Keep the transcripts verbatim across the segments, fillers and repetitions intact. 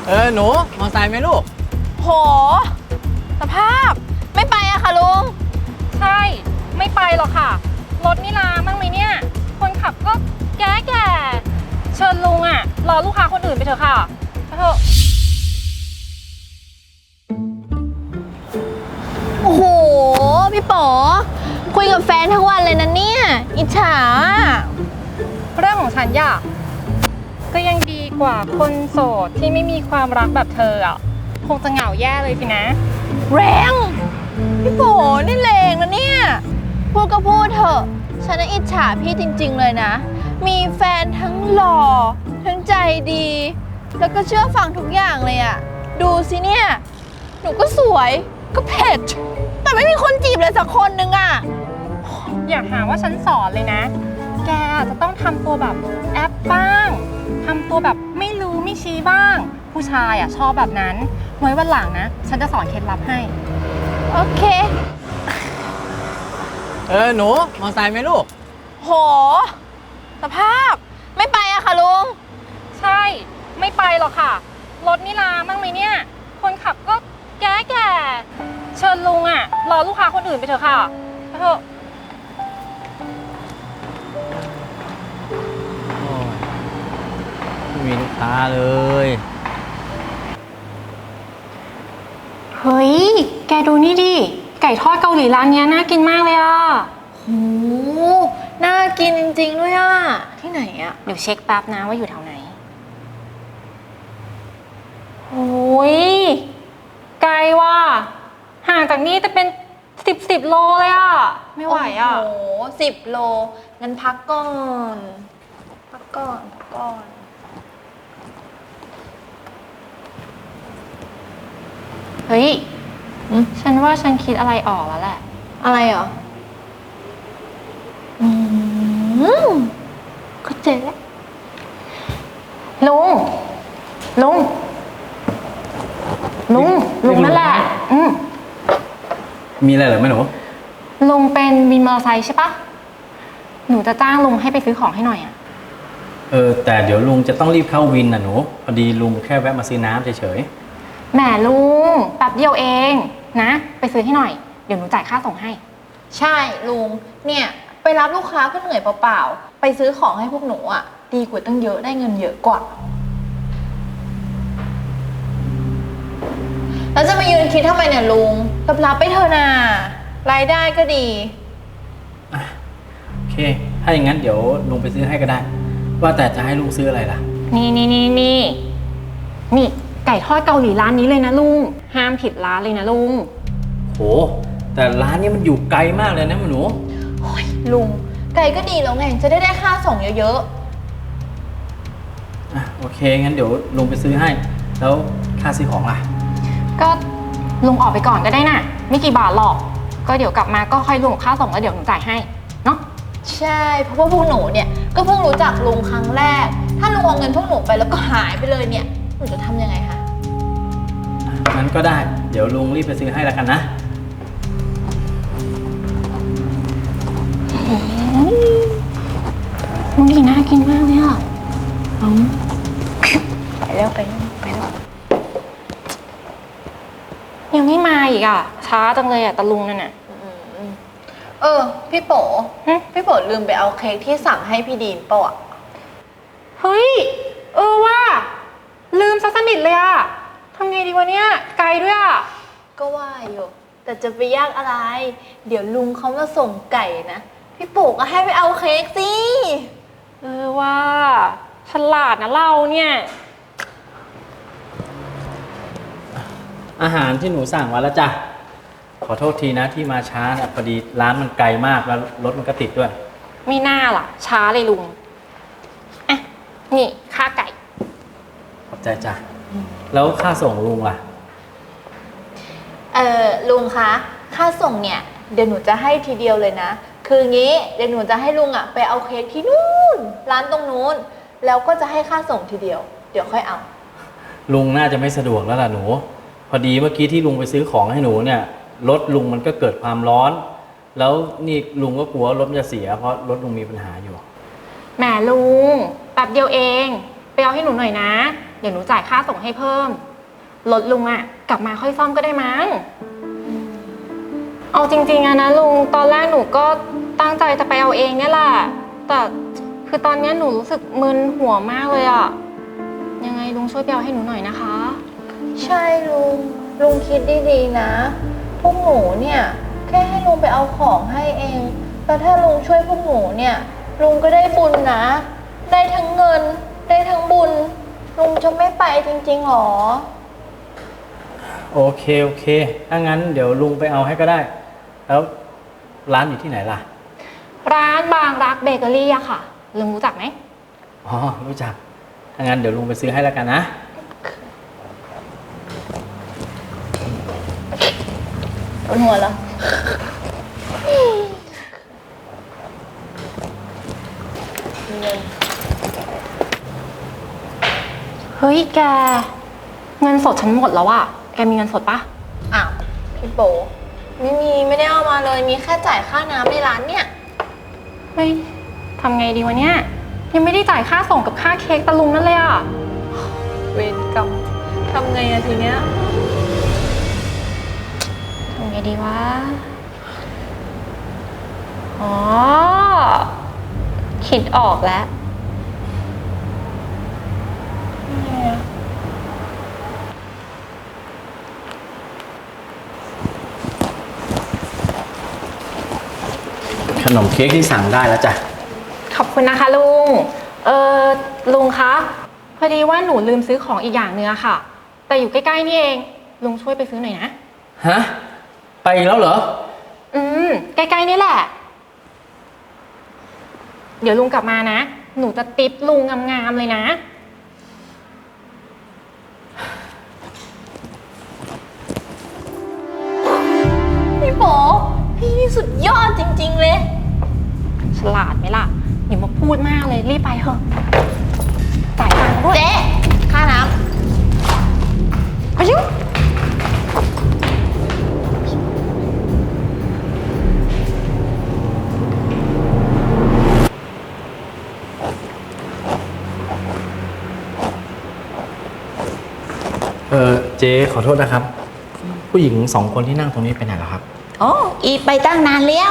เออหนูมอไซค์ไหมลูกโหสภาพไม่ไปอะค่ะลุงใช่ไม่ไปหรอกค่ะรถนี่ลามั่งไหมเนี่ยคนขับก็แก่แก่เชิญลุงอะรอลูกค้าคนอื่นไปเถอะค่ะไปเถอะโอ้โหพี่ป๋อคุยกับแฟนทั้งวันเลยนะเนี่ยอิจฉาเรื่องของฉันอย่าก็ยังดีกว่าคนโสดที่ไม่มีความรักแบบเธออ่ะคงจะเหงาแย่เลยสินะแรงพี่ป๋อนี่แรงนะเนี่ยพูดก็พูดเถอะฉันน่ะอิจฉาพี่จริงๆเลยนะมีแฟนทั้งหล่อทั้งใจดีแล้วก็เชื่อฟังทุกอย่างเลยอะดูสิเนี่ยหนูก็สวยก็เผ็ดแต่ไม่มีคนจีบเลยสักคนนึงอะอย่าหาว่าฉันสอนเลยนะแกจะต้องทำตัวแบบแอปบ้างทำตัวแบบไม่รู้ไม่ชี้บ้างผู้ชายอ่ะชอบแบบนั้นไว้วันหลังนะฉันจะสอนเคล็ดลับให้โอเคเออหนูมอไซค์ไหมลูกโหสภาพไม่ไปอะค่ะลุงใช่ไม่ไปหรอกค่ะรถนี่ลามั่งไหมเนี่ยคนขับก็แก่แก่เชิญลุงอ่ะรอลูกค้าคนอื่นไปเถอะค่ะไปเถอะไม่มีลูกค้าเลยเฮ้ยแกดูนี่ดิไก่ทอดเกาหลีร้านนี้น่ากินมากเลยอ่ะโหน่ากินจริงๆด้วยอ่ะที่ไหนอ่ะเดี๋ยวเช็คแป๊บนะว่าอยู่แถวไหนโอ้ยไกลว่ะห่างจากนี่จะเป็นสิบสิบโลเลยอ่ะไม่ไหวอ่ะโอ้โหสิบโลงั้นพักก่อนพักก่อนพักก่อนเฮ้ยฉันว่าฉันคิดอะไรออกแล้วแหละอะไรเหรออืมก็เจ๊แล้วลุงลุงลุงลุงนั่นแหละอืมมีอะไรเหรอแม่หนูลุงเป็นวินมอเตอร์ไซค์ใช่ปะหนูจะจ้างลุงให้ไปซื้อของให้หน่อยอ่ะเออแต่เดี๋ยวลุงจะต้องรีบเข้าวินน่ะหนูพอดีลุงแค่แวะมาซื้อน้ำเฉยๆแหมลุงแป๊บเดียวเองนะไปซื้อให้หน่อยเดี๋ยวหนูจ่ายค่าส่งให้ใช่ลุงเนี่ยไปรับลูกค้าก็เหนื่อยเปล่าๆไปซื้อของให้พวกหนูอ่ะดีกว่าตั้งเยอะได้เงินเยอะกว่าแล้วจะมายืนคิดทำไมเนี่ยลุงรับรับไปเถอะนะรายได้ก็ดีอ่ะโอเคถ้าอย่างนั้นเดี๋ยวลุงไปซื้อให้ก็ได้ว่าแต่จะให้ลุงซื้ออะไรล่ะนี่นี่นี่นี่นี่ไก่ทอดเกาหลีร้านนี้เลยนะลุงห้ามผิดร้านเลยนะลุงโหแต่ร้านนี้มันอยู่ไกลมากเลยนะหนูโอ้ยลุงไก่ก็ดีแล้วไงจะได้ได้ค่าส่งเยอะๆอ่ะโอเคงั้นเดี๋ยวลุงไปซื้อให้แล้วค่าซื้อของล่ะก็ลุงออกไปก่อนก็ได้น่ะไม่กี่บาทหรอกก็เดี๋ยวกลับมาก็ค่อยลุงค่าส่งแล้วเดี๋ยวหนูจ่ายให้เนาะใช่เพราะว่าพวกหนูเนี่ยก็เพิ่งรู้จักลุงครั้งแรกถ้าลุงเอาเงินพวกหนูไปแล้วก็หายไปเลยเนี่ยหนูจะทำยังไงคะงั้นก็ได้เดี๋ยวลุงรีบไปซื้อให้แล้วกันนะลุงดีน่ากินมากเลยอ่ะไปแล้วไปแล้วไปแล้วยังไม่มาอีกอ่ะช้าจังเลยอ่ะตะลุงนั่นน่ะเออพี่โป๋พี่โป๋ลืมไปเอาเค้กที่สั่งให้พี่ดีมป่ะเฮ้ยเออว่าลืมซะสนิทเลยอ่ะทำไงดีวะเนี่ยไกลด้วยอ่ะก็ว่าอยู่แต่จะไปยากอะไรเดี๋ยวลุงเขามาส่งไก่นะพี่โป๋ก็ให้ไปเอาเค้กสิเออว่าฉลาดนะเราเนี่ยอาหารที่หนูสั่งมาแล้วจ้ะขอโทษทีนะที่มาช้านะพอดีร้านมันไกลมากแล้วรถมันก็ติดด้วยไม่น่าล่ะช้าเลยลุงอ่ะนี่ค่าไก่ขอบใจจ้ะแล้วค่าส่งลุงล่ะเออลุงคะค่าส่งเนี่ยเดี๋ยวหนูจะให้ทีเดียวเลยนะคืองี้เดี๋ยวหนูจะให้ลุงอ่ะไปเอาเค้กที่นู่นร้านตรงนู้นแล้วก็จะให้ค่าส่งทีเดียวเดี๋ยวค่อยเอาลุงน่าจะไม่สะดวกแล้วล่ะหนูพอดีเมื่อกี้ที่ลุงไปซื้อของให้หนูเนี่ยรถลุงมันก็เกิดความร้อนแล้วนี่ลุงก็กลัวรถมันจะเสียเพราะรถลุงมีปัญหาอยู่แหมลุงแป๊บเดียวเองไปเอาให้หนูหน่อยนะ เดี๋ยวหนูจ่ายค่าส่งให้เพิ่ม รถลุงอะกลับมาค่อยซ่อมก็ได้มั้ง เอาจริงๆอะนะลุง ตอนแรกหนูก็ตั้งใจจะไปเอาเองเนี่ยแหละ แต่คือตอนนี้หนูรู้สึกมึนหัวมากเลยอะยังไงลุงช่วยไปเอาให้หนูหน่อยนะคะใช่ลุง ลุงคิดดีๆนะ พวกหนูเนี่ยแค่ให้ลุงไปเอาของให้เอง แล้วถ้าลุงช่วยพวกหนูเนี่ย ลุงก็ได้บุญนะ ได้ทั้งเงิน ได้ทั้งบุญ ลุงจะไม่ไปจริงๆหรอโอเคโอเคถ้างั้นเดี๋ยวลุงไปเอาให้ก็ได้ แล้วร้านอยู่ที่ไหนล่ะร้านบางรักเบเกอรี่อะค่ะลุงรู้จักไหมอ๋อรู้จักถ้างั้นเดี๋ยวลุงไปซื้อให้แล้วกันนะปวดหัวแล้วเฮ้ยแก เงินสดฉันหมดแล้วอะแกมีเงินสดปะอ้าวพี่โบไม่มีไม่ได้เอามาเลย มีแค่จ่ายค่าน้ำในร้านเนี่ยเฮ้ยทำไงดีวะเนี่ย ยังไม่ได้จ่ายค่าส่งกับค่าเค้กตะลุงนั่นเลยอะเวรกรรมทำไงอะทีเนี้ยทำไงดีวะ อ๋อ คิดออกแล้วขนมเค้กที่สั่งได้แล้วจ้ะขอบคุณนะคะลุง เออลุงคะ พอดีว่าหนูลืมซื้อของอีกอย่างเนื้อะค่ะ แต่อยู่ใกล้ๆนี่เอง ลุงช่วยไปซื้อหน่อยนะฮะ ไปอีกแล้วเหรออืม ใกล้ๆนี่แหละ เดี๋ยวลุงกลับมานะ หนูจะติปลุงงามๆเลยนะพี่โบพี่นี่สุดยอดจริงๆเลยฉลาดไหมล่ะอย่ามาพูดมากเลยรีบไปเถอะจ่ายตังค์ด้วยเจ๊ค่าน้อายุเออเจ๊ขอโทษนะครับ ผู้หญิงสองคนที่นั่งตรงนี้ไปไหนแล้วครับโอ้อีไปตั้งนานแล้ว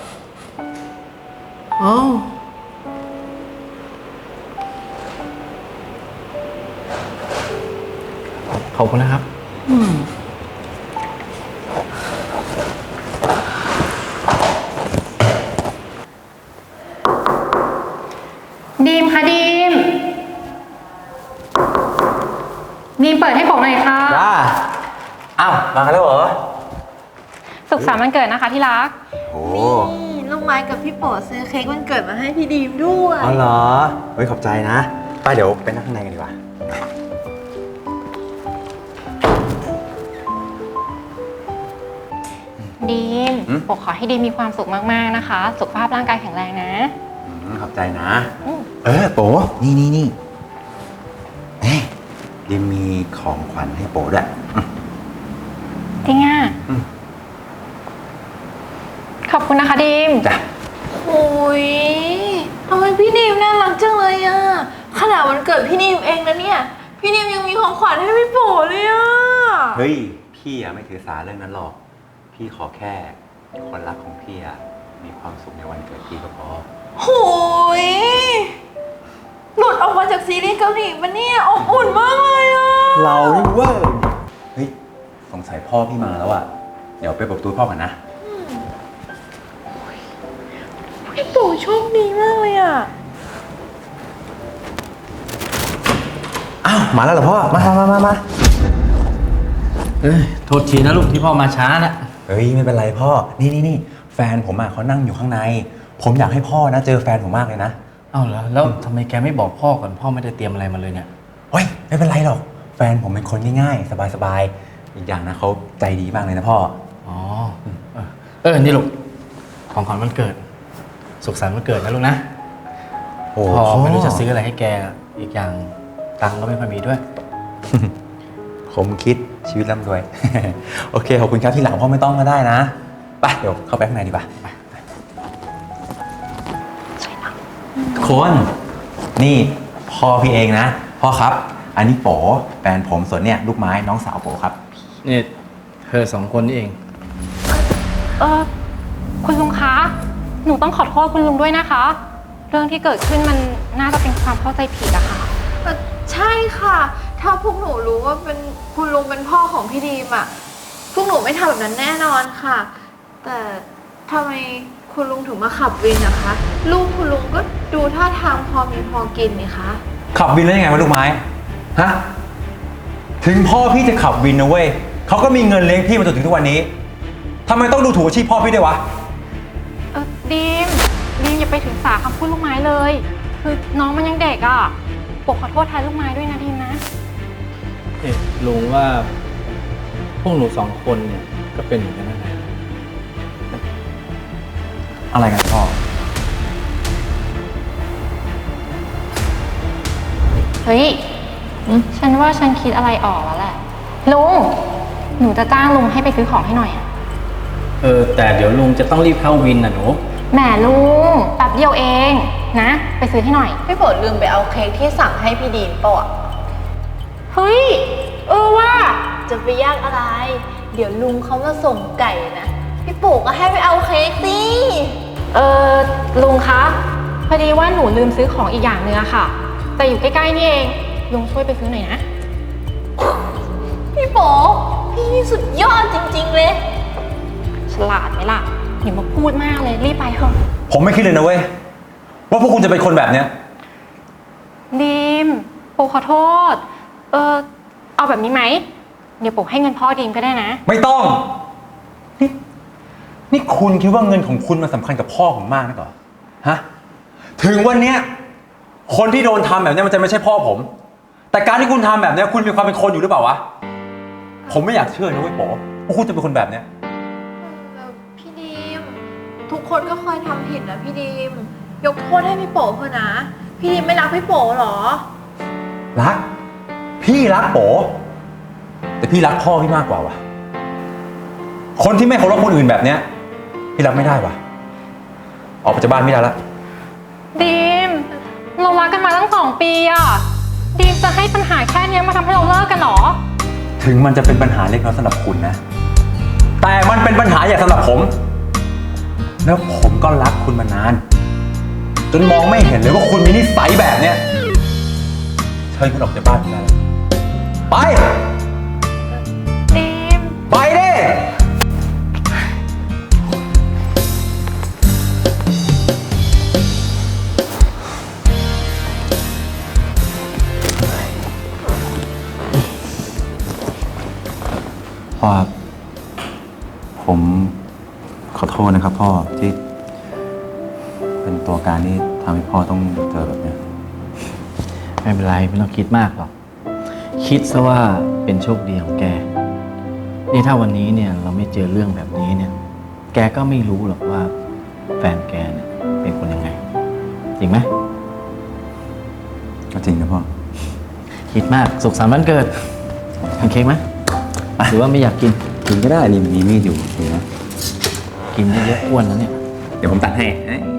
อ๋อ ขอบคุณนะครับดีมค่ะดีม ดีมเปิดให้ผมหน่อยค่ะจ้าอ้าว มากันแล้วเหรอสุขสันต์วันเกิดนะคะที่รักโอ้ำนี่ลูกไม้กับพี่โปซื้อเค้กวันเกิดมาให้พี่ดีมด้วยอ๋อเหรอ เฮ้ย ขอบใจนะไปเดี๋ยวไปนั่งข้างในกันดีกว่าดีมอืมผมขอให้ดีมมีความสุขมากๆนะคะ สุขภาพร่างกายแข็งแรงนะอืมขอบใจนะอืมเออ โปนี่นี่นี่เฮ้ยดิมมีของขวัญให้โปด้วยอืมจริงอ่ะอืมขอบคุณนะคะดีมจ้ะโอ้ยทำไมพี่ดีมน่ารักจังเลยอะขนาดวันเกิดพี่ดีมเองนะเนี่ย พี่ดีมยังมีของขวัญให้พี่โปเลยอะเฮ้ย พี่อะไม่ถือสาเรื่องนั้นหรอก พี่ขอแค่คนรักของพี่อะมีความสุขในวันเกิดพี่ก็พอโหยหลุดออกมาจากซีรีส์เกาหลีปะเนี่ยอบอุ่นมากเลยอะเรานี่เว้ยเฮ้ย สงสัยพ่อพี่มาแล้วอะเดี๋ยวไปเปิดประตูให้พ่อกันนะพี่โปโชคดีมากเลยอะอ้าว มาแล้วเหรอพ่อ มามามามาเอ้ยโทษทีนะลูกที่พ่อมาช้านะเฮ้ย ไม่เป็นไรพ่อ นี่นี่นี่แฟนผมอะเขานั่งอยู่ข้างใน ผมอยากให้พ่อนะเจอแฟนผมมากเลยนะเอ้าแล้วแล้วทำไมแกไม่บอกพ่อก่อนพ่อไม่ได้เตรียมอะไรมาเลยเนี่ยเฮ้ย ไม่เป็นไรหรอก แฟนผมเป็นคนง่ายๆ สบายๆ อีกอย่างนะเขาใจดีมากเลยนะพ่ออ๋อเออเออ นี่ลูก ของขวัญวันเกิด สุขสันต์วันเกิดนะลูกนะโอ้พ่อไม่รู้จะซื้ออะไรให้แก อีกอย่างตังค์ก็ไม่ค่อยมีด้วยผมคิดชีวิตร่ำรวย โอเค ขอบคุณครับ ที่หลังพ่อไม่ต้องก็ได้นะ ไป เดี๋ยวเข้าไปข้างในดีกว่าไปทุกคน นี่พ่อพี่เองนะ พพ่อครับ อันนี้โป๋แฟนผมส่วนเนี่ยลูกไม้น้องสาวโป๋ครับนี่เธอสองคนนี่เองเออคุณลุงคะ หนูต้องขอโทษคุณลุงด้วยนะคะ เรื่องที่เกิดขึ้นมันน่าจะเป็นความเข้าใจผิดอะค่ะเอ่อใช่ค่ะ ถ้าพวกหนูรู้ว่าเป็นคุณลุงเป็นพ่อของพี่ดีมอะพวกหนูไม่ทำแบบนั้นแน่นอนค่ะ แต่ทำไมคุณลุงถึงมาขับวินนะคะ ลูกคุณลุงก็ดูท่าทางพอมีพอกินนี่คะขับวินแล้วยังไงวะลูกไม้ ฮะ ถึงพ่อพี่จะขับวินนะเว้ยเขาก็มีเงินเลี้ยงพี่มาจนถึงทุกวันนี้ทำไมต้องดูถูกอาชีพพ่อพี่ด้วยวะเออดีมดีมอย่าไปถึงสาคำพูดลูกไม้เลย คือน้องมันยังเด็กอะปกขอโทษแทนลูกไม้ด้วยนะดีมนะเอ๊ะลุงว่าพวกหนูสองคนเนี่ยก็เป็นเหมือนกันนะอะไรกันพ่อเฮ้ย ฉันว่าฉันคิดอะไรออกแล้วแหละ ลุง หนูจะจ้างลุงให้ไปซื้อของให้หน่อยอะเออแต่เดี๋ยวลุงจะต้องรีบเข้าวินนะหนูแหมลุงแป๊บเดียวเองนะ ไปซื้อให้หน่อยพี่ฝนลืมไปเอาเค้กที่สั่งให้พี่ดีมเปล่าอะเฮ้ย เออว่าจะไปยากอะไร เดี๋ยวลุงเขามาส่งไก่นะพี่ปู่ก็ให้ไปเอาเค้กสิเออลุงคะ พอดีว่าหนูลืมซื้อของอีกอย่างเนื้อะค่ะ แต่อยู่ใกล้ๆนี่เอง ลุงช่วยไปซื้อหน่อยนะพี่โป๋พี่นี่สุดยอดจริงๆเลยฉลาดไหมล่ะอย่ามาพูดมากเลยรีบไปเถอะผมไม่คิดเลยนะเว้ยว่าพวกคุณจะเป็นคนแบบเนี้ยดีมโปขอโทษ เออเอาแบบนี้ไหม เดี๋ยวโปให้เงินพ่อดีมก็ได้นะไม่ต้อง นี่นี่คุณคิดว่าเงินของคุณมันสำคัญกับพ่อผมมากนะก่อฮะ ถึงวันเนี้ยคนที่โดนทำแบบเนี้ยมันจะไม่ใช่พ่อผม แต่การที่คุณทำแบบเนี้ยคุณมีความเป็นคนอยู่หรือเปล่าวะ ผมไม่อยากเชื่อนะเว้ยโป๋ว่าคุณจะเป็นคนแบบเนี้ยพี่ดีมทุกคนก็เคยทำผิดนะพี่ดีมยกโทษให้พี่โป๋เถอะนะ พี่ดีมไม่รักพี่โป๋เหรอรัก พี่รักโป๋แต่พี่รักพ่อพี่มากกว่าวะคนที่ไม่เคารพคนอื่นแบบเนี้ยพี่รับไม่ได้วะออกไปจากบ้านไม่ได้ละดีมเรารักกันมาตั้งสองปีอะดีมจะให้ปัญหาแค่เนี้ยมาทำให้เราเลิกกันเหรอถึงมันจะเป็นปัญหาเล็กน้อยสำหรับคุณนะ แต่มันเป็นปัญหาใหญ่สำหรับผม แล้วผมก็รักคุณมานาน จนมองไม่เห็นเลยว่าคุณมีนิสัยแบบเนี้ยเชิญคุณออกจากบ้านผมได้แล้วไปดีมไปดิ พ่อครับผมขอโทษนะครับพ่อที่เป็นตัวการที่ทำให้พ่อต้องเจอแบบเนี้ยไม่เป็นไรไม่ต้องคิดมากหรอก คิดซะว่าเป็นโชคดีของแก นี่ถ้าวันนี้เนี่ยเราไม่เจอเรื่องแบบนี้เนี่ย แกก็ไม่รู้หรอกว่าแฟนแกเนี่ยเป็นคนยังไง จริงไหมก็จริงนะพ่อคิดมากสุขสันต์วันเกิดกินเค้กไหมหรือว่าไม่อยากกินกินก็ได้นี่มีมีดอยู่เห็นไหมกินเยอะๆอ้วนแล้วเนี่ยเดี๋ยวผมตัดให้